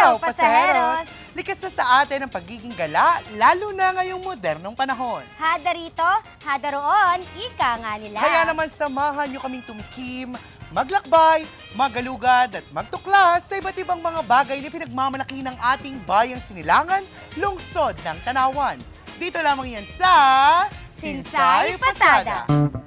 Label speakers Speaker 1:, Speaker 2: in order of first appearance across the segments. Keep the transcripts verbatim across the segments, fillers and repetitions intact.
Speaker 1: araw, pasaheros!
Speaker 2: Likas na sa atin ang pagiging gala, lalo na ngayong modernong panahon.
Speaker 1: Hada rito, hada roon, ika nga nila.
Speaker 2: Kaya naman samahan nyo kaming tumikim, maglakbay, magalugad at magtuklas sa iba't ibang mga bagay na pinagmamalaki ng ating bayang Sinilangan, lungsod ng Tanawan. Dito lamang yan sa
Speaker 1: Sinsay Pasada.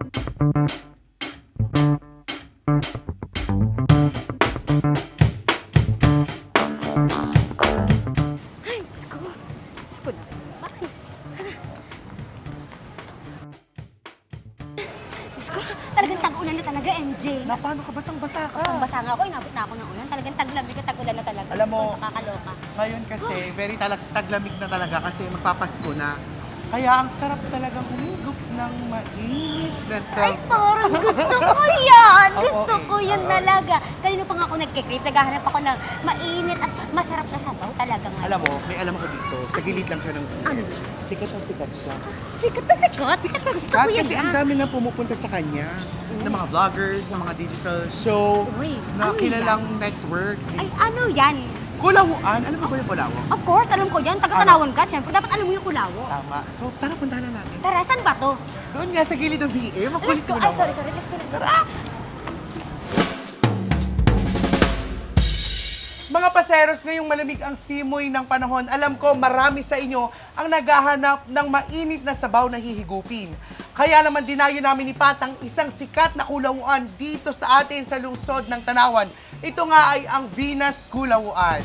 Speaker 1: Ay, Diyos ko. Diyos ko na. Bakit? Diyos ko, talagang tag-ulan na talaga, M J.
Speaker 2: Na paano ka basang-basa ka?
Speaker 1: Ang basa nga ako, inabot na ako ng ulan. Talagang taglamig at tag-ulan na talaga.
Speaker 2: Alam mo,
Speaker 1: Diyos ko, nakakaloka.
Speaker 2: Ngayon kasi, very talag taglamig na talaga kasi magpapasko na. Kaya ang sarap talagang humigop ng mainit na
Speaker 1: Ay,
Speaker 2: sabaw.
Speaker 1: parang gusto ko yan!
Speaker 2: Oo,
Speaker 1: Gusto
Speaker 2: eh.
Speaker 1: ko yan
Speaker 2: Oo.
Speaker 1: talaga. Kanina pa nga ako nagkikrip, naghahanap ako ng mainit at masarap na sabaw talaga ngayon.
Speaker 2: Alam mo, may alam ako dito. Sa gilid lang siya ng
Speaker 1: Ano?
Speaker 2: Sikat na sikat siya.
Speaker 1: Sikat na sikat! Sikat na gusto ko yan
Speaker 2: Kasi ang
Speaker 1: ah.
Speaker 2: dami na pumupunta sa kanya. Ng mga vloggers, ng mga digital show,
Speaker 1: Uy,
Speaker 2: na
Speaker 1: ano
Speaker 2: kilalang network.
Speaker 1: Ay, ano yan?
Speaker 2: Kulawuan? Ano ba ba yung Kulawo?
Speaker 1: Of course, alam ko yan. Taga-Tanawan ka. Siyempre, dapat alam mo yung kulawo.
Speaker 2: Tama. So, tara, puntahan na natin.
Speaker 1: Tara, saan ba to?
Speaker 2: Doon nga sa gilid ng V A, makulit
Speaker 1: Let's go.
Speaker 2: mo
Speaker 1: Ay,
Speaker 2: naman.
Speaker 1: sorry, sorry. Let's go. Let's go.
Speaker 2: Tara! Mga paseros, ngayong malamig ang simoy ng panahon, alam ko marami sa inyo ang naghahanap ng mainit na sabaw na hihigupin. Kaya naman dinayo namin ni Patang isang sikat na kulawuan dito sa atin sa lungsod ng Tanawan. Ito nga ay ang Venus Kulawuan.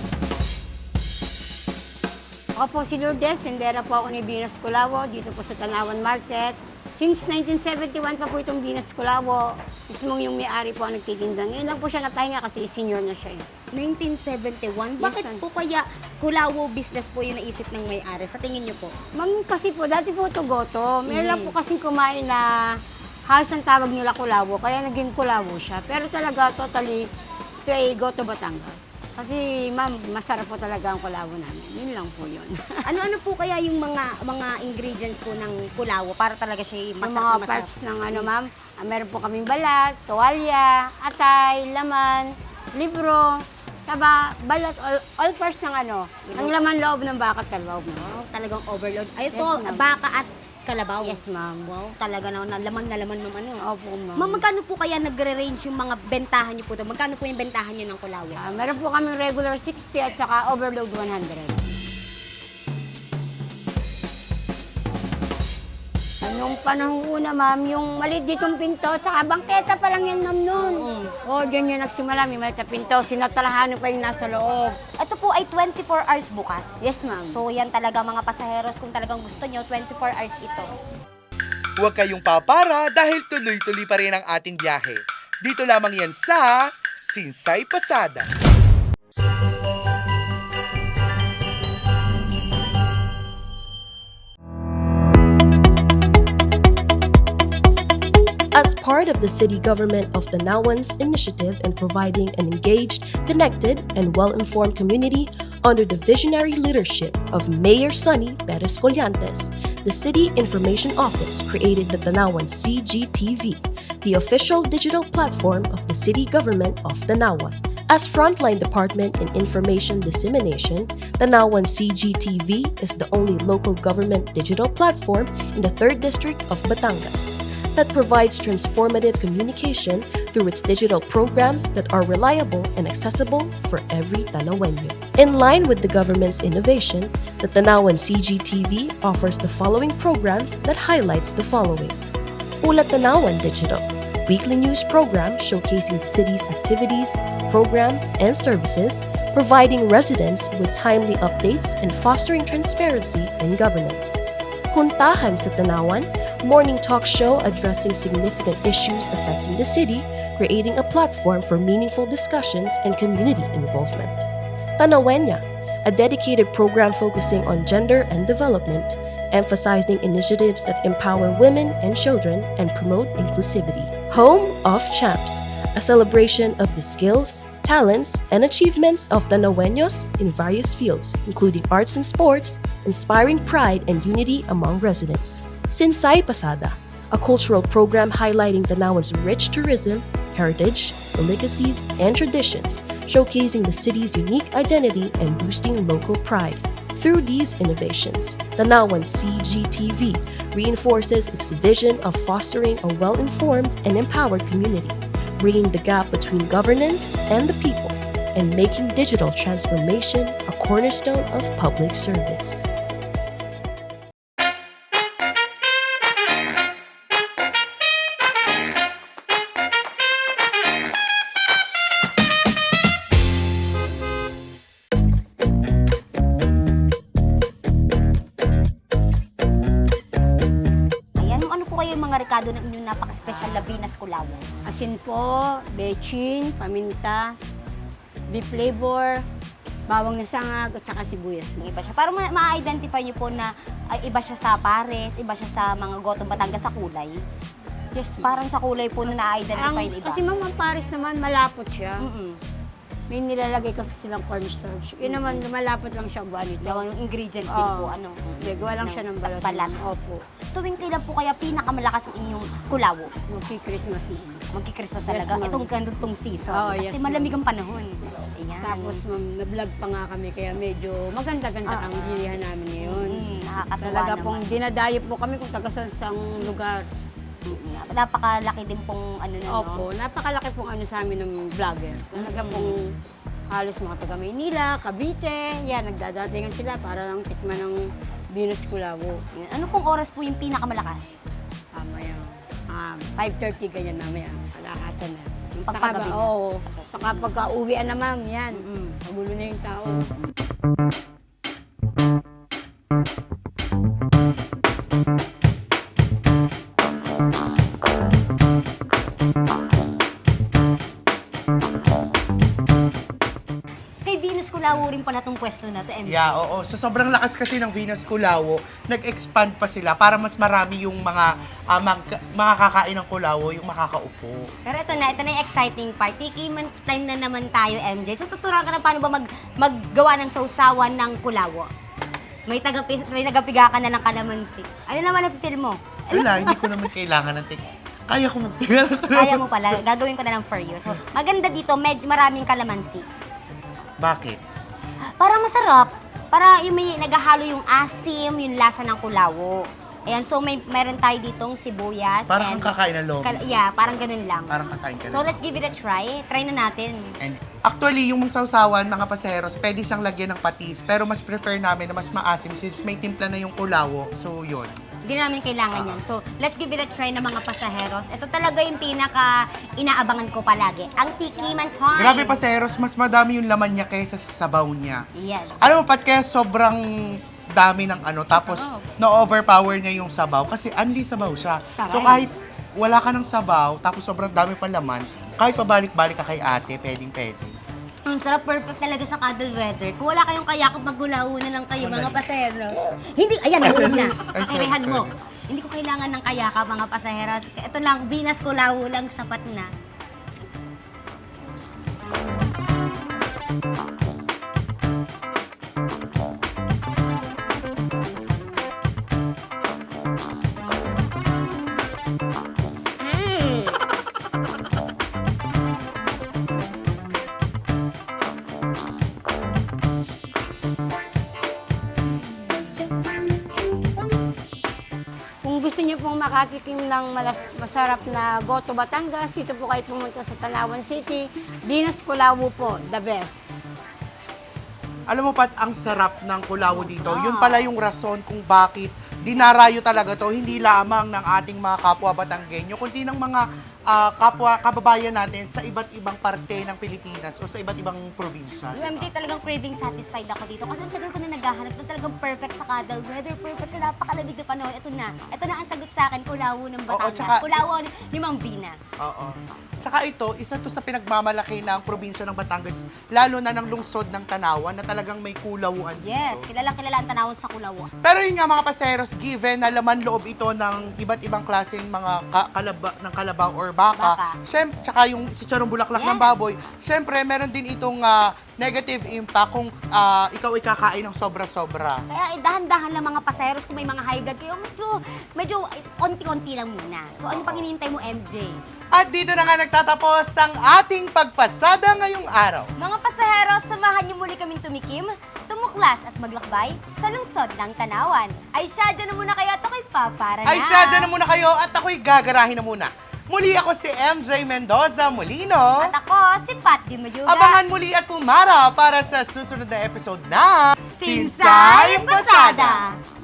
Speaker 3: Ako po si Lourdes, tendera po ako ni Venus Kulawo dito po sa Tanawan Market. Since nineteen seventy-one pa po itong Venus Kulawo, mismong yung may-ari po ang nagtitinda. Ngayon lang po siya napahinga kasi senior na siya. eh.
Speaker 1: nineteen seventy-one?
Speaker 3: Yes,
Speaker 1: Bakit
Speaker 3: ma'am.
Speaker 1: po kaya kulawo business po yung naisip ng may-ari? Sa tingin niyo po?
Speaker 3: Ma'am, kasi po, dati po ito goto. Meron lang
Speaker 1: Mm.
Speaker 3: po kasing kumain na halos ang tawag nila Kulawo, kaya naging Kulawo siya. Pero talaga, totally, ito ay goto Batangas. Kasi ma'am, masarap po talaga ang Kulawo namin. Yun lang po yun.
Speaker 1: Ano-ano po kaya yung mga mga ingredients po ng kulawo para talaga siya
Speaker 3: Yung
Speaker 1: masarap
Speaker 3: mga
Speaker 1: na masarap?
Speaker 3: parts ng ano ma'am, ah, meron po kaming balat, tuwalya, atay, laman, libro, taba, balat, all, all parts ng ano, ang laman loob ng baka at kalabaw mo.
Speaker 1: Wow, talagang overload. Ay, ito,
Speaker 3: Yes, ma'am.
Speaker 1: baka at kalabaw.
Speaker 3: Yes ma'am.
Speaker 1: Wow, talaga na, na laman na laman ma'am ano.
Speaker 3: Opo ma'am.
Speaker 1: Ma'am, magkano po kaya nagre-range yung mga bentahan niyo po doon? Magkano po yung bentahan niyo ng kulawo?
Speaker 3: Ah, meron po kaming regular sixty at saka overload one hundred. Nung panahon una, ma'am, yung maliit ditong pinto, tsaka bangketa pa lang yan, ma'am, noon.
Speaker 1: Mm.
Speaker 3: O, dyan yung nagsimula, may maliit na pinto, sinatalahan pa yung nasa loob.
Speaker 1: Ito po ay twenty-four hours bukas.
Speaker 3: Yes, ma'am.
Speaker 1: So yan talaga mga pasaheros, kung talagang gusto nyo, twenty-four hours ito.
Speaker 2: Huwag kayong papara dahil tuloy-tuloy pa rin ang ating biyahe. Dito lamang yan sa Sinsay Pasada.
Speaker 4: As part of the city government of Tanawan's initiative in providing an engaged, connected, and well-informed community under the visionary leadership of Mayor Sonny Perez Collantes, the City Information Office created the Tanawan C G T V, the official digital platform of the city government of Tanawan. As frontline department in information dissemination, Tanawan C G T V is the only local government digital platform in the third District of Batangas that provides transformative communication through its digital programs that are reliable and accessible for every Tanawenyo. In line with the government's innovation, the Tanawan C G T V offers the following programs that highlights the following. Ulat Tanawan Digital, weekly news program showcasing the city's activities, programs, and services, providing residents with timely updates and fostering transparency in governance. Huntahan sa Tanawan, morning talk show addressing significant issues affecting the city, creating a platform for meaningful discussions and community involvement. Tanawenya, a dedicated program focusing on gender and development, emphasizing initiatives that empower women and children and promote inclusivity. Home of Champs, a celebration of the skills, talents, and achievements of Tanaweños in various fields, including arts and sports, inspiring pride and unity among residents. Sinsay Pasada, a cultural program highlighting Tanawan's rich tourism, heritage, delicacies, and traditions, showcasing the city's unique identity and boosting local pride. Through these innovations, Tanawan C G T V reinforces its vision of fostering a well-informed and empowered community, bringing the gap between governance and the people, and making digital transformation a cornerstone of public service.
Speaker 1: Ayan, ano po kayo yung mga rekado ng inyong napaka-special na Venus Culawo?
Speaker 3: Asin po, bechin, paminta, beef flavor, bawang na sangag, at saka sibuyas.
Speaker 1: Yung iba siya. Para ma- ma-identify niyo po na ay, iba siya sa pares, iba siya sa mga gotong Batangas sa kulay.
Speaker 3: Yes, ma'am.
Speaker 1: Parang sa kulay po na na-identify
Speaker 3: Ang,
Speaker 1: na iba.
Speaker 3: kasi ma'am, ang Paris naman, malapot siya.
Speaker 1: Mm-mm.
Speaker 3: May nilalagay kasi silang cornstarch. Yun naman, malapot lang siya buwan ito.
Speaker 1: Daw ang ingredient din
Speaker 3: Oo.
Speaker 1: po, ano?
Speaker 3: Hindi, gawa lang siya ng balat.
Speaker 1: balat.
Speaker 3: Opo.
Speaker 1: Tuwing kailan po kaya pinakamalakas ang inyong kulawo?
Speaker 3: Magki-Christmas na.
Speaker 1: Magki-Christmas
Speaker 3: Yes,
Speaker 1: talaga.
Speaker 3: ma'am.
Speaker 1: Itong ganitong season.
Speaker 3: Oo,
Speaker 1: kasi
Speaker 3: yes, ma'am.
Speaker 1: malamig ang panahon. Ayan.
Speaker 3: Tapos ma'am, na-vlog pa nga kami, kaya medyo maganda-ganda
Speaker 1: Ah,
Speaker 3: ang
Speaker 1: ah.
Speaker 3: bilihan namin ngayon.
Speaker 1: Mm, nakakatuwa
Speaker 3: Talaga
Speaker 1: naman.
Speaker 3: pong dinadayo po kami kung taga saan saang lugar.
Speaker 1: Mm, Napakalaki din pong ano na,
Speaker 3: Opo,
Speaker 1: no?
Speaker 3: napakalaki pong ano sa amin ng vlogger. Talaga
Speaker 1: Mm.
Speaker 3: pong halos mga taga Maynila, Cavite, yan, nagdadatingan sila para lang tikman ng Venus Culawo.
Speaker 1: Ayan. Ano pong oras po yung pinakamalakas?
Speaker 3: Ah, maya, um, five thirty ganyan mamaya, kalakasan na.
Speaker 1: Yung
Speaker 3: Saka
Speaker 1: pagpagabi
Speaker 3: ba-
Speaker 1: na.
Speaker 3: Oo, saka pagka uwian na ma'am, yan,
Speaker 1: Mm-mm.
Speaker 3: magulo na yung tao.
Speaker 1: Kay Venus Culawo rin pala tong pwesto na to, M J.
Speaker 2: Yeah, oo. So sobrang lakas kasi ng Venus Culawo, nag-expand pa sila para mas marami yung mga ah, mag, makakakain ng Culawo, yung makakaupo.
Speaker 1: Pero ito na, ito na yung exciting part. Tikiman time na naman tayo, M J. So tuturuan ka na paano ba mag, maggawa ng sausawan ng Culawo. May, tagapi, may nagapiga ka na ng kalamansi. Ano naman ang feel mo?
Speaker 2: Wala, hindi ko naman kailangan ng tik. Kaya ko magtigal.
Speaker 1: Kaya mo pala, gagawin ko na lang for you. So, maganda dito, med, maraming kalamansi.
Speaker 2: Bakit?
Speaker 1: Para masarap. Para yung may naghahalo yung asim, yung lasa ng Culawo. Ayan, so may meron tayo ditong sibuyas.
Speaker 2: Parang
Speaker 1: and-
Speaker 2: kang kakain ng lomi.
Speaker 1: Kal- yeah, parang ganun lang.
Speaker 2: Parang kakain ka
Speaker 1: So
Speaker 2: na.
Speaker 1: let's give it a try. Try na natin.
Speaker 2: And actually, yung mga sausawan, mga paseros, pwede siyang lagyan ng patis. Pero mas prefer namin na mas maasim since may timpla na yung Culawo. So, yun.
Speaker 1: Hindi na namin kailangan yan. So, let's give it a try ng mga pasaheros. Ito talaga yung pinaka inaabangan ko palagi. Ang tikiman time.
Speaker 2: Grabe paseros, mas madami yung laman niya kaysa sa sabaw niya.
Speaker 1: Yes.
Speaker 2: Alam mo, Pat, kaya sobrang dami ng ano, tapos
Speaker 1: Oo.
Speaker 2: na-overpower niya yung sabaw kasi only sabaw siya. So
Speaker 1: Taray.
Speaker 2: kahit wala ka ng sabaw, tapos sobrang dami pa laman, kahit pabalik-balik ka kay ate, pwedeng-pwede.
Speaker 1: Ang sarap, perfect talaga sa cuddle weather. Kung wala kayong kayakap, maggulaho na lang kayo, mga pasahero. Hindi, ayan, nahulog na.
Speaker 2: Ay,
Speaker 1: Pakirehan mo.
Speaker 2: sorry.
Speaker 1: Hindi ko kailangan ng kayakap, mga pasaheros. Ito lang, Venus Culawo lang, sapat na.
Speaker 3: Kung gusto niyo pong makatikim ng malas- masarap na Goto Batangas, dito po kayo pumunta sa Tanawan City. Venus Culawo po, the best.
Speaker 2: Alam mo, Pat, ang sarap ng Culawo dito. Yun pala yung rason kung bakit dinarayo talaga to, hindi lamang ng ating mga kapwa Batanggenyo, kundi ng mga ah, kapwa kababayan natin sa iba't ibang parte ng Pilipinas o sa iba't ibang probinsya.
Speaker 1: Yung M J, talagang craving satisfied ako dito. Kasi ang tagal ko na naghahanap ng talagang perfect sa cuddle weather, perfect sa napakalamig na panahon. Ito na. Ito na ang sagot sa akin, Culawo ng Batangas.
Speaker 2: tsaka-
Speaker 1: Culawo ni Mang Bina.
Speaker 2: Oo. Tsaka ito, isa to sa pinagmamalaki ng probinsya ng Batangas, lalo na ng lungsod ng Tanawan na talagang may kulawuan dito.
Speaker 1: Yes, kilalang kilala ang tanawon sa Culawo.
Speaker 2: Pero yun nga mga paseros, just given na laman loob ito ng iba't ibang klaseng mga ka- kalaba, ng kalabaw or baka.
Speaker 1: Baka.
Speaker 2: Siyem, tsaka yung chicharong bulaklak ng
Speaker 1: Yes.
Speaker 2: baboy. Siyempre, meron din itong ah, negative impact kung ah, ikaw ay kakain ng sobra-sobra.
Speaker 1: Kaya eh, dahan-dahan lang mga pasaheros kung may mga high blood kayo, medyo, medyo eh, konti-konti lang muna. So ano pang hinihintay mo, M J?
Speaker 2: At dito na nga nagtatapos ang ating pagpasada ngayong araw.
Speaker 1: Mga pasaheros, samahan niyo muli kaming tumikim, tumuklas at maglakbay sa lungsod ng Tanawan. Ay siya, dyan na muna kayo at ako'y papara na.
Speaker 2: Ay siya, dyan na muna kayo at ako'y gagarahin na muna. Muli ako si M J Mendoza Molino.
Speaker 1: At ako, si Pat Di Mayuga.
Speaker 2: Abangan muli at pumara para sa susunod na episode na
Speaker 1: Sinsay Pasada!